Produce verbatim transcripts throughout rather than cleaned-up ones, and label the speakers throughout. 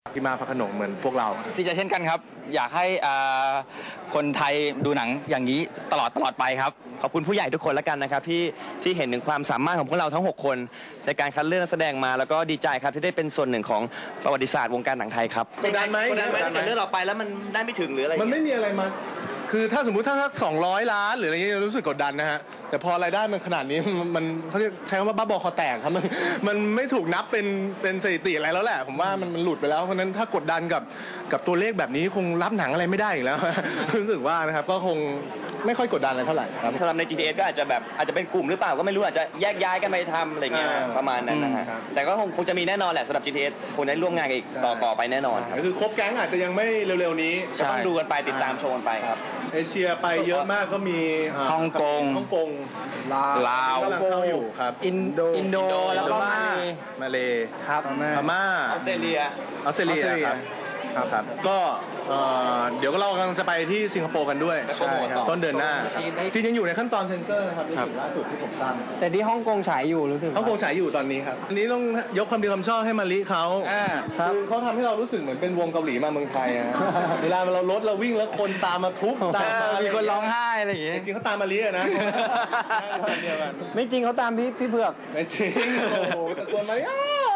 Speaker 1: พี่มาพระโขนงเหมือนพวกเรา
Speaker 2: ดีใจเช่นกันครับอยากให้คนไทยดูหนังอย่างนี้ตลอดตลอดไปครับ
Speaker 3: ขอบคุณผู้ใหญ่ทุกคนแล้วกันนะครับที่ที่เห็นถึงความสามารถของพวกเราทั้งหกคนในการคัดเลือกนักแสดงมาแล้วก็ดีใจครับที่ได้เป็นส่วนหนึ่งของประวัติศาสตร์วงการหนังไทยครับ
Speaker 1: กดดันไหม
Speaker 3: กดดันไหมถ้าเกิดเลือกเราไปแล้วมันได้ไม่ถึงหรืออะไร
Speaker 1: มันไม่มีอะไรมาคือถ้าสมมุติถ้าสักสองร้อยล้านหรืออะไรเงี้ยรู้สึกกดดันนะฮะแต่พอรายได้มันขนาดนี้มันเขาใช้คำว่าบ้าบอคอแตกครับมันมันไม่ถูกนับเป็นเป็นสถิติอะไรแล้วแหละผมว่ามันมันหลุดไปแล้วเพราะนั้นถ้ากดดันกับกับตัวเลขแบบนี้คงรับหนังอะไรไม่ได้อีกแล้วรู้สึกว่านะครับก็คงไม่ค่อยกดดันอะไรเท่าไหร่ครับ
Speaker 3: สำหรับใน จี ที เอส ก็อาจจะแบบอาจจะเป็นกลุ่มหรือเปล่าก็ไม่รู้อาจจะแยกย้ายกันไปทำอะไรเงี้ยประมาณนั้นนะฮะแต่ก็คงคงจะมีแน่นอนแหละสำหรับ จี ที เอส คงได้ร่วมงานกันอีกต่อต่อไปแน่นอนครับ
Speaker 1: ก็คือครบแก๊งอาจจะยังไม่เร็วๆนี้
Speaker 3: ต้องดูกันไปติดตามชมกันไปครับ
Speaker 1: เอเชียไปเยอะมากก็มี
Speaker 2: ฮ่องกง
Speaker 1: ฮ่องกง
Speaker 2: ลาว
Speaker 1: กำลังเข้าอยู่ครับ
Speaker 2: อินโดอินโดแล้วก็มาเล
Speaker 1: มาเล
Speaker 2: ครับ
Speaker 1: พม่า
Speaker 3: ออสเตรเลีย
Speaker 1: ออสเตรเลียครับครับก็เดี๋ยวก็เรากำลังจะไปที่สิงคโปร์กันด้วยต้นเดือนหน้าที่ยังอยู่ในขั้นตอนเซ็นเซอร์ครับล่าสุดที่ผมทราบ
Speaker 2: แต่ที่ฮ่องกงฉายอยู่รู้สึก
Speaker 1: ฮ่องกงฉายอยู่ตอนนี้ครับอันนี้ต้องยกความดีความชอบให้มาลิเขาคือเขาทำให้เรารู้สึกเหมือนเป็นวงเกาหลีมาเมืองไทยเวลาเรารถเราวิ่งแล้วคนตามมาทุบตาม
Speaker 2: มีคนร้องไห้อะไรอย่างเงี้ย
Speaker 1: จริงเขาตามมาลินะ
Speaker 2: ไม่จริงเขาตามพี่พี่เผือก
Speaker 1: ไม่จริงโอ้โหตะโกนมาลิ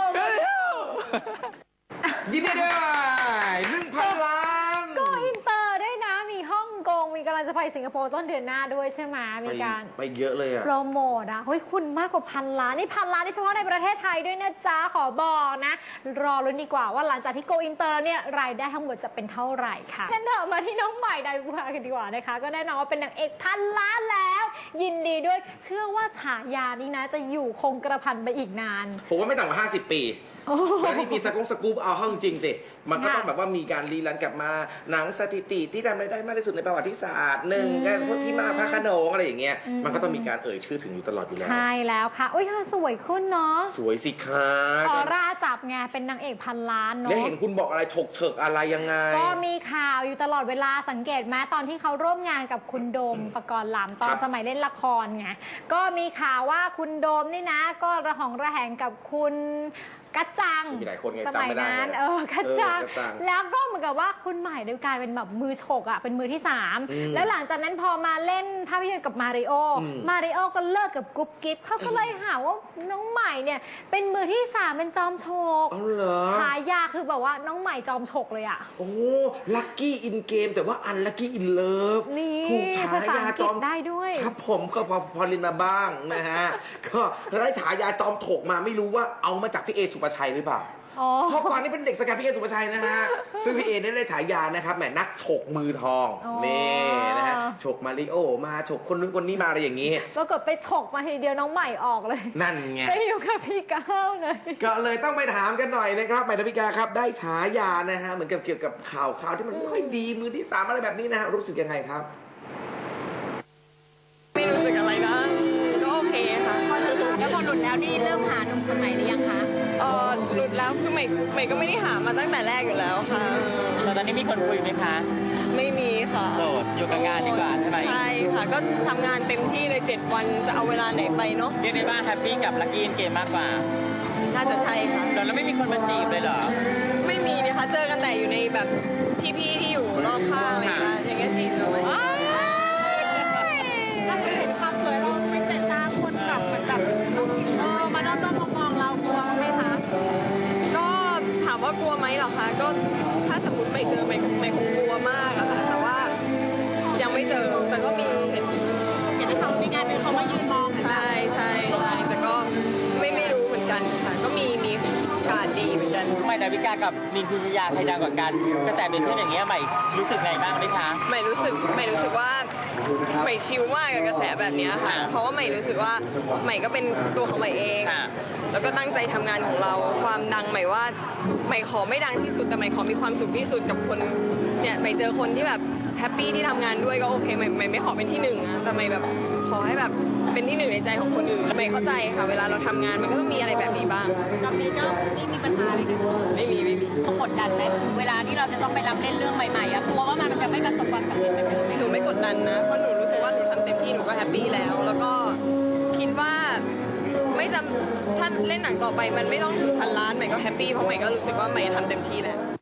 Speaker 2: ยินดีด้วยหนึ่งพันล้าน
Speaker 4: ก็อินเตอร์ด้วยนะมีฮ่องกงมีกำลังจะไปสิงคโปร์ต้นเดือนหน้าด้วยใช่ไหมมีการ
Speaker 5: ไปเยอะเลยอะ
Speaker 4: โปรโมทอะเฮ้ยคุณมากกว่าพันล้านนี่พันล้านนี่เฉพาะในประเทศไทยด้วยนะจ๊ะขอบอกนะรอลุ้นดีกว่าว่าหลังจากที่โกอินเตอร์เนี่ยรายได้ทั้งหมดจะเป็นเท่าไหร่ค่ะงั้นเถอะมาที่น้องใหม่ดาวิกากันดีกว่านะคะก็แน่นอนว่าเป็นนางเอกพันล้านแล้วยินดีด้วยเชื่อว่าฉายานี้นะจะอยู่คงกระพันไปอีกนาน
Speaker 5: ผมว่าไม่ต่ำกว่าห้าสิบปีแล้วที่มีสกุ๊ปสกู๊ปเอาห้องจริงสิมันก็ต้องแบบว่ามีการรีรันกลับมาหนังสถิติที่ทำรายได้มากที่สุดในประวัติศาสตร์หนึ่งกันพวกพี่มาพระโขนงอะไรอย่างเงี้ยมันก็ต้องมีการเอ่ยชื่อถึงอยู่ตลอดอยู่แล้ว
Speaker 4: ใช่แล้วค่ะอุ้ยเธอสวยขึ้นเนาะ
Speaker 5: สวยสิคะ
Speaker 4: ออร่าจับไงเป็นนางเอกพันล้านเนาะ
Speaker 5: แล้วเห็นคุณบอกอะไรถกเฉิกอะไรยังไง
Speaker 4: ก็มีข่าวอยู่ตลอดเวลาสังเกตไหมตอนที่เขาร่วมงานกับคุณโดมปกรณ์ลำตอนสมัยเล่นละครไงก็มีข่าวว่าคุณโดมนี่นะก็ระหองระแหงกับคุณกัจจังสมัยนั้นเออกัจจังแล้วก็เหมือนกับว่าคุณใหม่ได้กลายเป็นแบบมือฉกอ่ะเป็นมือที่สามแล้วหลังจากนั้นพอมาเล่นภาพยนตร์กับมาริโอมาริโอก็เลิกกับกุ๊บกิ๊บเขาก็เลยหาว่าน้องใหม่เนี่ยเป็นมือที่สามเป็นจอมฉกฉายาคือแบบว่าน้องใหม่จอมฉกเลยอ่ะ
Speaker 5: โอ้ลัคกี้อินเกมแต่ว่าอันลัคกี้อินเลิฟ
Speaker 4: นี่ภาษาอังกฤษได้ด้วย
Speaker 5: ครับผมก็พอพอเรียนมาบ้างนะฮะก็ได้ฉายาจอมถกมาไม่รู้ว่าเอามาจากพี่เอสุปชัยหรือเปล่าเพราะก่อนนี้เป็นเด็กสกัดพี่เอสุปชัยนะฮะซึ่งพี่เอได้ได้ฉายานะครับแหมนักฉกมือทองนี่นะฮะฉกมาริโอมาฉกคนนู้นคนนี้มาอะไรอย่างนี้
Speaker 4: ปรากฏไปฉกมาทีเดียวน้องใหม่ออกเลย
Speaker 5: นั่นไง
Speaker 4: ไปอยู่กับพี่ก้าวเลย
Speaker 5: ก็เลยต้องไปถามกันหน่อยนะครับใหม่ดาวิกาครับได้ฉายานะฮะเหมือนกับเกี่ยวกับข่าวข่าวที่มันไม่ค่อยดีมือที่สามอะไรแบบนี้นะฮะรู้สึกยังไงครับ
Speaker 6: ไม่รู้สึกอะไรนะก็โอเคค่ะ
Speaker 4: แล้วพอหลุดแล้วนี่เริ่มหาหนุ่มคนใหม่หรือยังคะ
Speaker 6: เออหลุดแล้วคือใหม่ใหม่ก็ไม่ได้หามาตั้งแต่แรกอยู่แล้วค่ะ
Speaker 2: ตอนนี้มีคนคุยไหมคะ
Speaker 6: ไม่มีค่ะ
Speaker 2: โสดอยู่กับงานดีกว่าใช่ไหม
Speaker 6: ใช่ค่ะก็ทำงานเต็มที่เลยเจ็ดวันจะเอาเวลาไหนไปเนาะ
Speaker 2: เรียกได้ว่าแฮปปี้กับลัคกี้เกมมากกว่า
Speaker 6: น่าจะใช่ค่ะ
Speaker 2: แล้วไม่มีคนมาจีบเลยเหรอ
Speaker 6: ไม่มีนะคะเจอกันแต่อยู่ในแบบพี่ๆที่อยู่รอบข้างอะไรอย่างเงี้ยจีบเลย
Speaker 4: ถ้าเห็นความสวยเราไม่เตะตาคนแบบเหมือนแบบเออมาด้อมมองเรากลัวไหมคะ
Speaker 6: ก็ถามว่ากลัวไหมหรอคะก็ถ้าสมมติไม่เจอไม่ไม่คงกลัวมากอะค่ะแต่ว่ายังไม่เจอแต่ก็มีเห็น
Speaker 4: เห็นเขามีงานหนึ่งเขามายืนมอง
Speaker 6: ใช่ใช่ใช่แต่ก็ไม่ไม่รู้เหมือนกันค่ะก็มีมีการดีเหมือนกัน
Speaker 2: ใหม่ดาวิกากับนินพิชยาใครดังกว่ากันกระแสเป็นขึ้นอย่างเงี้ยใหม่รู้สึกไงบ้างไหมคะ
Speaker 6: ใหม่รู้สึกใหม่รู้สึกว่าใหม่ชิลมากกับกระแสแบบนี้ค่ะเพราะว่าใหม่รู้สึกว่าใหม่ก็เป็นตัวของใหม่เองแล้วก็ตั้งใจทำงานของเราความดังใหม่ว่าใหม่ขอไม่ดังที่สุดแต่ใหม่ขอมีความสุขที่สุดกับคนเนี่ยใหม่เจอคนที่แบบแฮปปี้ที่ทำงานด้วยก็โอเคใหม่ใหม่ไม่ขอเป็นที่หนึ่งนะแต่ใหม่แบบขอให้แบบเป็นที่หนึ่งในใจของคนอื่นใหม่เข้าใจค่ะเวลาเราทำงานมันก็ต้องมีอะไรแบบนี้บ้าง
Speaker 4: ตอนนี้ก็ไม่มีปัญหาอะไรกัน
Speaker 6: ไม่มีไม่มี
Speaker 4: กดดันไหมเวลาที่เราจะต้องไปรับเล่นเรื่องใหม่ๆอะกลัวว่ามันจะไม่ประสบความสำเร็จเหมือนเดิม
Speaker 6: หนูไม่กดดันนะเพราะหนูรู้สึกว่าหนูทำเต็มที่หนูก็แฮปปี้แล้วแล้วก็คิดว่าไม่จำถ้าเล่นหนังต่อไปมันไม่ต้องถึงพันล้านใหม่ก็แฮปปี้เพราะใหม่ก็รู้สึกว่าใหม่ทำเต็มที่แล้ว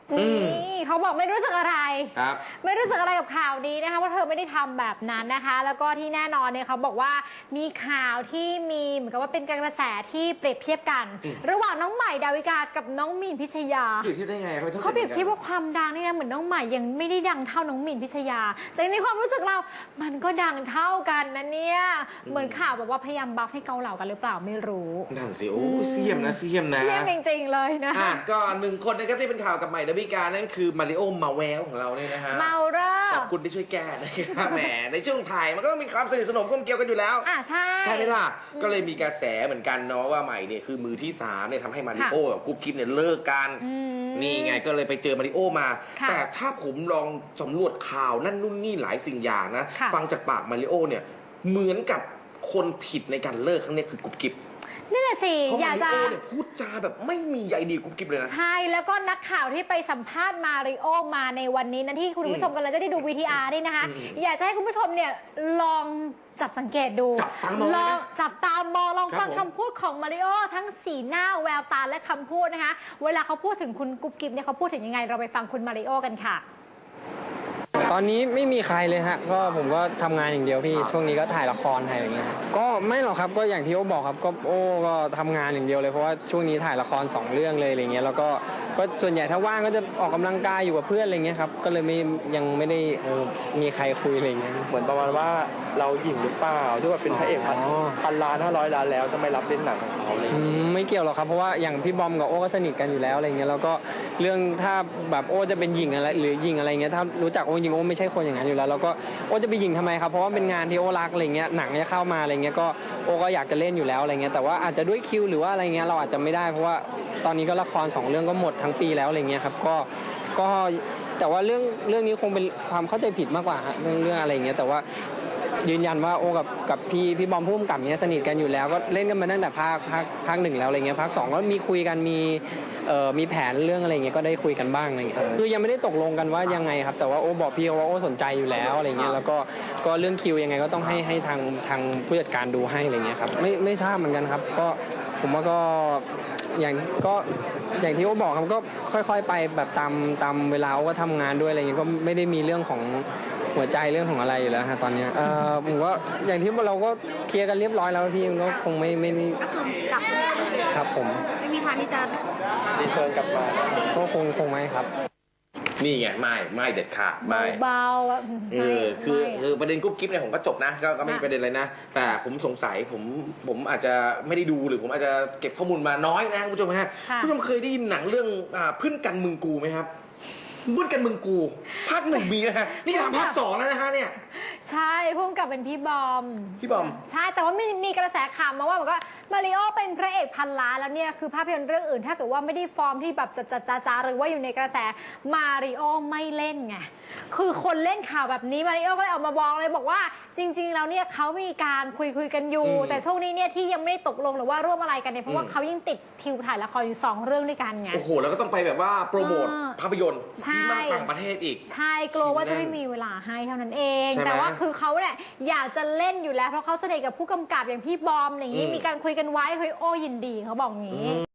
Speaker 4: นี่เขาบอกไม่รู้สึกอะไร
Speaker 5: ครับ
Speaker 4: ไม่รู้สึกอะไรกับข่าวนี้นะคะว่าเธอไม่ได้ทำแบบนั้นนะคะ แล้วก็ที่แน่นอนเนี่ยเขาบอกว่ามีข่าวที่มีเหมือนกับว่าเป็นกระแสที่เปรียบเทียบกัน ระหว่างน้องใหม่ดาวิกากับน้องมีนพิชยา
Speaker 5: เปรียบเทียบได้ไงเขา
Speaker 4: เขาเปรียบเทียบว่าความดังนี่นะเหมือนน้องใหม่ยังไม่ได้ดังเท่าน้องมีนพิชยา แต่ในความรู้สึกเรา มันก็ดังเท่ากันนะเนี่ยเหมือนข่าวแบบว่าพยายามบัฟให้เกาเหล่ากันหรือเปล่าไม่รู้
Speaker 5: นั่นสิโอ้เสียมนะเสียมนะ
Speaker 4: เชี่ยจริงๆเลยนะ
Speaker 5: อ่ะก็หนึ่งคนนะครับที่เป็นข่าวกับใหม่ดาวิกานั่นคือมาริโอมาแววของเราเนี่ยนะฮะ
Speaker 4: เมาเรอ
Speaker 5: ขอบคุณที่ช่วยแก้นะครับแหมในช่วงถ่ายมันก็ต้องมีความสนิทสนมกลมเกลียวกันอยู่แล้ว
Speaker 4: อ่ะใช่
Speaker 5: ใช่ไหมล่ะ ก็เลยมีกระแสเหมือนกันเนาะว่าใหม่เนี่ยคือมือที่สามเนี่ยทำให้มาริโอกับกุ๊กกิ๊บเนี่ยเลิกกัน นี่ไงก็เลยไปเจอมาริโอมา
Speaker 4: ค่ะ
Speaker 5: แต่ถ้าผมลองสำรวจข่าวนั่นนู่นนี่หลายสิ่งอย่างนะ
Speaker 4: ค่ะ
Speaker 5: ฟังจากปากมาริโอเนี่ยเหมือนกับคนผิดในการเลิกครั้งเนี้ยคือกุ๊บกิ๊บ
Speaker 4: นี่แหละสิ
Speaker 5: เพราะ
Speaker 4: อ
Speaker 5: มาย
Speaker 4: าก
Speaker 5: ริ
Speaker 4: จะ
Speaker 5: โอเนี่ยพูดจาแบบไม่มีใยดีกุ๊บกิ๊บเลยนะ
Speaker 4: ใช่แล้วก็นักข่าวที่ไปสัมภาษณ์มาริโอมาในวันนี้นะที่คุณผู้ชมกำลังจะได้ดู วี ที อาร์ นี่นะคะ อยากจะให้คุณผู้ชมเนี่ยลองจับสังเกตดู
Speaker 5: จับตามอง
Speaker 4: ล
Speaker 5: นะ
Speaker 4: องจับตามองลอง
Speaker 5: ครับ
Speaker 4: ฟัง
Speaker 5: ผม
Speaker 4: คำพูดของมาริโอทั้งสีหน้าแววตาและคำพูดนะคะ เวลาเขาพูดถึงคุณกุ๊บกิ๊บเนี่ยเขาพูดถึงยังไงเราไปฟังคุณมาริโอกันค่ะ
Speaker 7: ตอนนี้ไม่มีใครเลยฮะก็ผมก็ทำงานอย่างเดียวพี่ช่วงนี้ก็ถ่ายละครถ่ายอะไรอย่างเงี้ยครับก็ไม่หรอกครับก็อย่างที่โอ้บอกครับก็โอ้ก็ทำงานอย่างเดียวเลยเพราะว่าช่วงนี้ถ่ายละครสองเรื่องเลยอะไรเงี้ยแล้วก็ก็ส่วนใหญ่ถ้าว่างก็จะออกกำลังกายอยู่กับเพื่อนอะไรเงี้ยครับก็เลยไม่ยังไม่ได้เออมีใครคุยอะไรเงี้ย
Speaker 3: เหมือนประมาณว่าเราหยิ่งหรือเปล่าที่ว่าเป็นพระเอกพัน
Speaker 7: อ๋อ
Speaker 3: พันล้านห้าร้อยล้านแล้วจะไม่รับเล่นหนังของเขาเลย
Speaker 7: อืมไม่เกี่ยวหรอกครับเพราะว่าอย่างพี่บอมกับโอ้ก็สนิทกันอยู่แล้วอะไรเงี้ยแล้วก็เรื่องถ้าแบบโอ้จะเป็นหญิงอะไรหรือหญิงอะไรเงี้ยถ้ารู้จักโอ้จริงโอ้ไม่ใช่คนอย่างนั้นอยู่แล้วแล้วก็โอ้จะไปหญิงทำไมครับเพราะว่าเป็นงานที่โอ้รักอะไรเงี้ยหนังจะเข้ามาอะไรเงี้ยก็โอ้ก็อยากจะเล่นอยู่แล้วอะไรเงี้ยแต่ว่าอาจจะด้วยคิวหรือว่าอะไรเงี้ยเราอาจจะไม่ได้เพราะว่าตอนนี้ก็ละครสองเรื่องก็หมดทั้งปีแล้วอะไรเงี้ยครับก็ก็แต่ว่าเรื่องเรื่องนี้คงเป็นความเข้าใจผิดมากกว่าฮะเรื่องเรื่องอะไรเงี้ยแต่ว่ายืนยันว่าโอ้กับกับพี่พี่บอมพุ่มกับเนี้ยสนิทกันอยู่แล้วก็เล่นกันมาตั้งแต่ภาคภาคภาคหนึ่งแล้วอะไรเงี้ยภาคสองก็มีคุยกันมีเอ่อมีแผนเรื่องอะไรเงี้ยก็ได้คุยกันบ้างอะไรเงี้ยคือยังไม่ได้ตกลงกันว่ายังไงครับแต่ว่าโอ้บอกพี่ว่าโอ้สนใจอยู่แล้วอะไรเงี้ยแล้วก็ก็เรื่องคิวยังไงก็ต้องให้ให้ทางทางผู้จัดการดูให้อะไรเงี้ยครับไม่ไม่ทราบเหมือนกันครับก็ผมว่าก็อย่างก็อย่างที่โอ้บอกครับก็ค่อยๆไปแบบตามตามเวลาโอ้ก็ทำงานด้วยอะไรเงี้ยก็ไม่ได้มีเรื่องของหัวใจเรื่องของอะไรอยู่แล้วฮะตอนเนี้ยเอ่อผมว่าอย่างที่เราก็เคลียร์กันเรียบร้อยแล้วพี่ก็คงไม่ไม่ได้
Speaker 4: ก็คือกลับ
Speaker 7: ครับผม
Speaker 4: ไม่มีทางที่จะ
Speaker 3: รีเทิร์นกลับมา
Speaker 7: ก็คงคงไม่ครับ
Speaker 5: นี่ไงไม่ไม่เด็ดขาดไม่
Speaker 4: เบาๆอะ
Speaker 5: เออคือ
Speaker 4: ไม่
Speaker 5: คือประเด็นกุ๊บกิ๊บเนี่ยผมก็จบนะก็ก็ไม่มีประเด็นอะไรนะ แต่ผมสงสัยผมผมอาจจะไม่ได้ดูหรือผมอาจจะเก็บข้อมูลมาน้อยนะคุณผู้ชมฮะ
Speaker 4: ค่ะ
Speaker 5: คุณผู้ชมเคยได้ยินหนังเรื่องอ่าเพื่อนกันมึงกูไหมครับเพื่อนกันมึงกูภาคหนึ่งมีนะฮะนี่ทำภาคสองแล้วนะฮะเนี่ย
Speaker 4: ใช่พุ่มกับเป็นพี่บอม
Speaker 5: พี่บอม
Speaker 4: ใช่แต่ว่ามีมีกระแสข่าวมาว่าบอกว่ามาริโอเป็นพระเอกพันล้านแล้วเนี่ยคือภาพยนตร์เรื่องอื่นถ้าเกิดว่าไม่ได้ฟอร์มที่แบบจัดจัดจ้าจ้าหรือว่าอยู่ในกระแสมาริโอไม่เล่นไงคือคนเล่นข่าวแบบนี้มาริโอก็เลยออกมาบอกเลยบอกว่าจริง ๆ แล้วเนี่ยเขามีการคุยคุยกันอยู่
Speaker 5: อืม
Speaker 4: แต่ช่วงนี้เนี่ยที่ยังไม่ได้ตกลงหรือว่าร่วมอะไรกันเนี่ยเพราะว่าเขายังติดทิวถ่ายละครอยู่สองเรื่องด้วยกันไง
Speaker 5: โอ้โหแล้วก็ต้องไปแบบว่าโปรโมท
Speaker 4: อ่า
Speaker 5: ภาพยนตร์
Speaker 4: ใช่
Speaker 5: ที่มากต่างประเทศอีก
Speaker 4: ใช่กลัวว่าจะไม่มีเวลาให้เท่านั้นเอง
Speaker 5: ใช่ไหม
Speaker 4: แต่ว่าคือเขาเนี่ยอยากจะเล่นอยู่แล้วเพราะเขาสนิทกับผู้กำกับอย่างพี่บอมอย่างนี้
Speaker 5: อืม
Speaker 4: มีการคุยกันไว้เฮ้ยโอ้ยินดีเขาบอกงี้